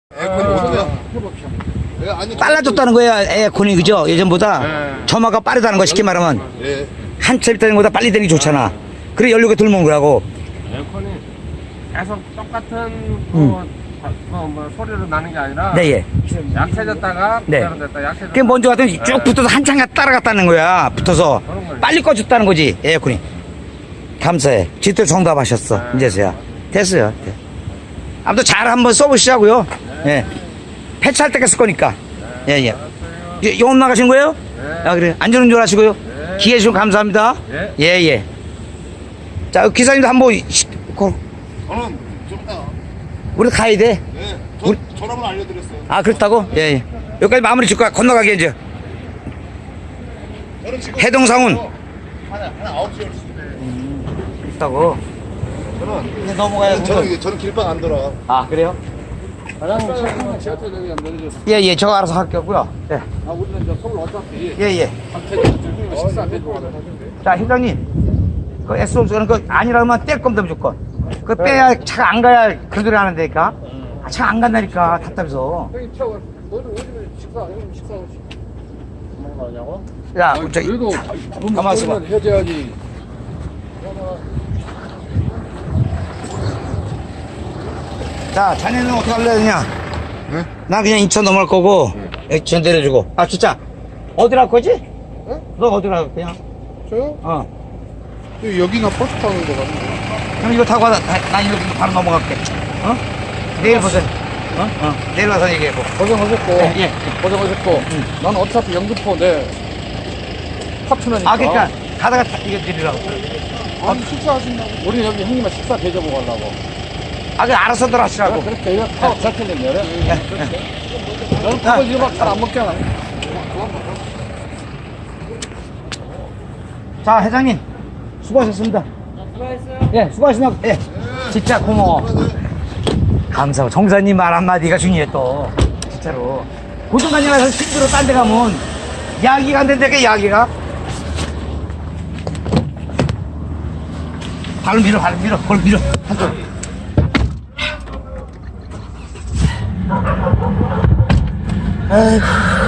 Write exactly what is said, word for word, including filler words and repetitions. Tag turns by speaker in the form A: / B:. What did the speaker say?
A: 빨라졌다는 거야 에어컨이. 그죠? 예전보다
B: 네.
A: 점화가 빠르다는 거. 쉽게 말하면
B: 예.
A: 한참 있다는 것보다 빨리 되는 게 좋잖아. 그래 연료가 덜 먹는 거라고.
C: 에어컨이 계속 똑같은 그,
A: 음.
C: 그, 뭐, 소리로 나는 게 아니라
A: 네, 예.
C: 약해졌다가
A: 네.
C: 부자로됐다 약해졌다.
A: 그게 먼저 같으면 쭉
C: 네.
A: 붙어서 한참 따라갔다는 거야. 붙어서
C: 그런 거예요.
A: 빨리 꺼졌다는 거지 에어컨이. 감사해. 제대로 정답하셨어.
C: 네.
A: 이제서야 됐어요. 네. 아무튼 잘 한번 써보시자고요. 예. 폐차할 때가 쓸 거니까. 예, 예. 예, 영업 나가신 거예요?
C: 네.
A: 아, 그래. 안전운전 하시고요.
C: 네.
A: 기회 주셔서 감사합니다.
C: 네.
A: 예, 예. 자, 기사님도 한번, 시- 거-
B: 저는 좀 이따.
A: 우리 가야 돼.
B: 네. 저,
A: 우리-
B: 전화번호 알려드렸어요.
A: 아, 그렇다고? 예, 예. 여기까지 마무리 짓고 건너가게, 이제.
B: 저는 지금
A: 해동상훈.
B: 하나 하나 아홉 시 열 시인데.
A: 그렇다고.
B: 저는
A: 이제 넘어가야
B: 저는 이게- 저는 길방 안 돌아.
A: 아, 그래요?
C: 과장님 지하철 여기 안 내려줘서.
A: 예, 예. 저거 알아서 할게고요. 예.
C: 아, 우리는 이제 서울 어차피
A: 예, 예.
C: 한태전 식사 안 되고
A: 자, 회장님. 그 에스오스는 그 아니라면 뗄 겁니다, 무조건. 그 빼야 차가 안 가야 그 소리 하는데니까. 아, 차가 안 간다니까, 답답해서.
C: 형님 태워. 너는 오늘 식사 형님 식사 없이 먹는 거냐고?
A: 야, 저기.
C: 그래도
A: 가만 있어봐.
C: 해줘야지.
A: 자, 자네는 어떻게 할래, 그냥?
B: 네?
A: 나 그냥 인천 넘어갈 거고, 인천 내려주고. 아, 진짜. 어디 갈 거지?
C: 네?
A: 너 어디 갈 거냐?
C: 저요?
A: 어.
C: 여기가 버스 타는 거 같은데.
A: 그럼 이거 타고 가다, 나, 나 이렇게 바로 넘어갈게. 어? 내일 보세요. 어? 어. 내일 와서 얘기해보.
C: 고생하셨고,
A: 예, 예.
C: 고생하셨고, 난 어차피 영등포 내 파트너니까.
A: 아, 그러니까, 가다가 타, 이거 드리라고.
C: 아니, 식사하신다고. 우리는 여기 형님만 식사 대접하고 가려고.
A: 아, 그 알아서들 하시라고.
C: 그렇게 이거 타고 잡히는 열에.
A: 예, 예.
C: 너는 그거 일박 잘 안 먹잖아.
A: 자, 회장님. 수고하셨습니다. 수고하셨어요. 예, 수고하셨습니다. 예. 진짜 고마워. 감사하고. 정사님 말 한마디가 중요해, 또. 진짜로. 고등관에 가서 힘들어 딴 데 가면, 야기가 안 된다니까, 야기가. 발을 밀어, 발을 밀어, 볼 밀어. 한쪽. 아이고.